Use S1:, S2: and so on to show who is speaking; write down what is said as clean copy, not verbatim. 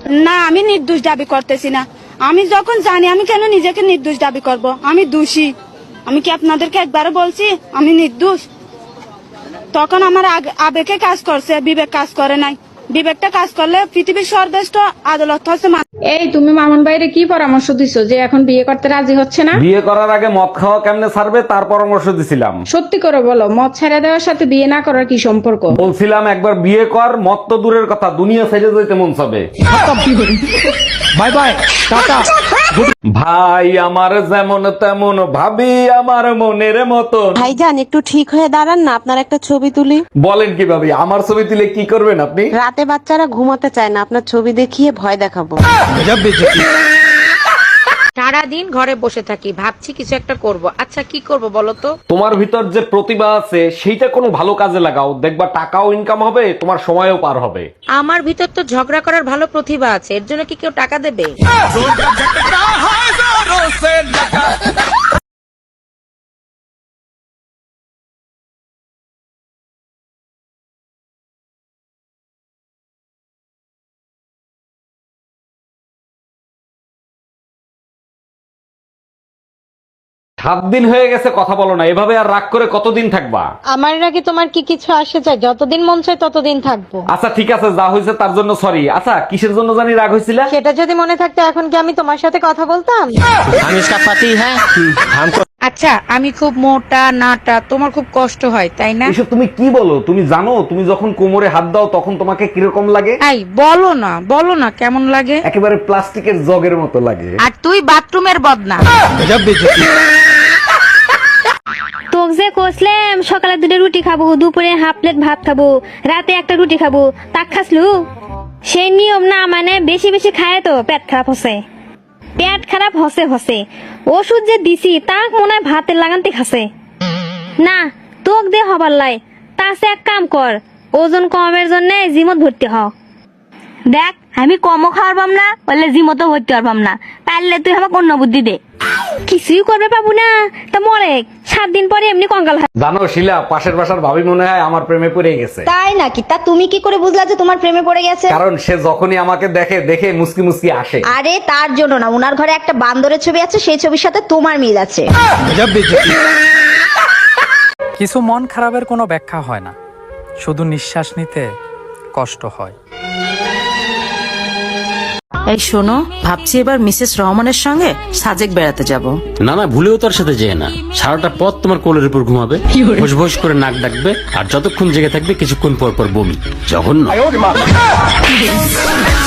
S1: না, আমি নির্দোষ দাবি করতেছি না। আমি যখন জানি, আমি কেন নিজেকে নির্দোষ দাবি করব? আমি দোষী। আমি কি আপনাদেরকে একবারও বলছি আমি নির্দোষ? তখন আমার আবেগে কাজ করছে, বিবেক কাজ করে নাই। বিবেকটা কাজ করলে পৃথিবীর সর্বশ্রেষ্ঠ আদালত হচ্ছে।
S2: এই তুমি মামুন ভাইরে কি পরামর্শ দিছো যে এখন বিয়ে করতে রাজি হচ্ছে না?
S3: বিয়ে করার আগে মদ খাওয়া কেমনে ছাড়বে তার পরামর্শ দিছিলাম।
S2: সত্যি করে বলো, মদ ছেড়ে দেওয়ার সাথে বিয়ে না করার কি সম্পর্ক?
S3: বলছিলাম একবার বিয়ে কর, মদ তো দূরের কথা, দুনিয়া ছেড়ে যেতে মন চাবে।
S4: Bye bye, tata.
S3: ভাই আমার যেমন তেমন, ভাবি আমার মনের মতন।
S5: ভাইজান একটু ঠিক হয়ে দাঁড়ান না, আপনার একটা ছবি তুলি।
S3: বলেন কি ভাবি, আমার ছবি তুলে কি করবেন আপনি?
S5: রাতে বাচ্চারা ঘুমাতে চায় না, আপনার ছবি দেখিয়ে ভয় দেখাবো।
S6: সারাদিন ঘরে বসে থাকি, ভাবছি কিছু একটা করব। আচ্ছা কি করব বলো তো?
S3: তোমার ভিতর যে প্রতিভা আছে সেইটা কোনো ভালো কাজে লাগাও, দেখবা টাকাও ইনকাম হবে, তোমার সময়ও পার হবে।
S6: আমার ভিতর তো ঝগড়া করার ভালো প্রতিভা আছে, এর জন্য কি কেউ টাকা দেবে?
S3: সাত দিন হয়ে গেছে কথা বলো না, এভাবে আর রাগ করে কতদিন থাকবা?
S7: আমার নাকি তোমার কি কিছু আসে চাই? যতদিন মন চায় ততদিন থাকবো।
S3: আচ্ছা ঠিক আছে, যা হয়েছে তার জন্য সরি। আচ্ছা কিসের জন্য জানি রাগ হয়েছিল?
S7: সেটা যদি মনে থাকতো এখন কি আমি তোমার সাথে কথা বলতাম?
S6: আচ্ছা আমি খুব মোটা নাটা, তোমার খুব কষ্ট হয় তাই না?
S3: এসব তুমি কি বলো? তুমি জানো তুমি যখন কোমরে হাত দাও তখন তোমাকে কিরকম লাগে?
S6: এই বলো না কেমন লাগে?
S3: একেবারে প্লাস্টিকের জগের মতো লাগে।
S6: আর তুই বাথরুমের বদনা।
S8: তোকে যে কইছিলাম সকালে 2টা রুটি খাবো, দুপুরে হাফ প্লেট ভাত খাবো, রাতে একটা রুটি খাবো, তা খাসলু? সেই নিয়ম না মানে বেশি বেশি খায় তো পেট খারাপ হচ্ছে। পেট খারাপ হসে ওষুধ যে দিছি তাক মনে হয় ভাতের লাগানতে খাসে না। তোক দে হবার লাই তাছে এক কাম কর, ওজন কমের জন্য জিমত ভর্তি হ। দেখ আমি কমও খাওয়ার পাম না, বললে জিমতো ভর্তি হওয়ার না, পারলে তুই আমাকে অন্য বুদ্ধি দে। কিছুই করবে পাবো না, তা মরে 7 দিন পরে এমনি কঙ্কাল হয়।
S3: জানো শিলা, পাশের বাসার ভাবি মনে হয় আমার প্রেমে পড়ে গেছে।
S9: তাই নাকি? তা তুমি কি করে বুঝলা যে তোমার প্রেমে পড়ে গেছে?
S3: কারণ সে যখনই আমাকে দেখে মুসকি মুসকি আসে।
S9: আরে তার জন্য না, উনার ঘরে একটা বান্দরের ছবি আছে, সেই ছবির সাথে তোমার মিল আছে।
S4: কিছু মন খারাপের কোনো ব্যাখ্যা হয় না, শুধু নিঃশ্বাস নিতে কষ্ট হয়।
S5: এই শোনো, ভাবছি এবার মিসেস রহমানের সঙ্গে সাজেক বেড়াতে যাব।
S10: না না, ভুলেও তার সাথে যেয়ে না। সারাটা পথ তোমার কোলের উপর ঘুমাবে, ভোস ভোস করে নাক ডাকবে, আর যতক্ষণ জেগে থাকবে কিছুক্ষণ পর পর বমি। জঘন্য।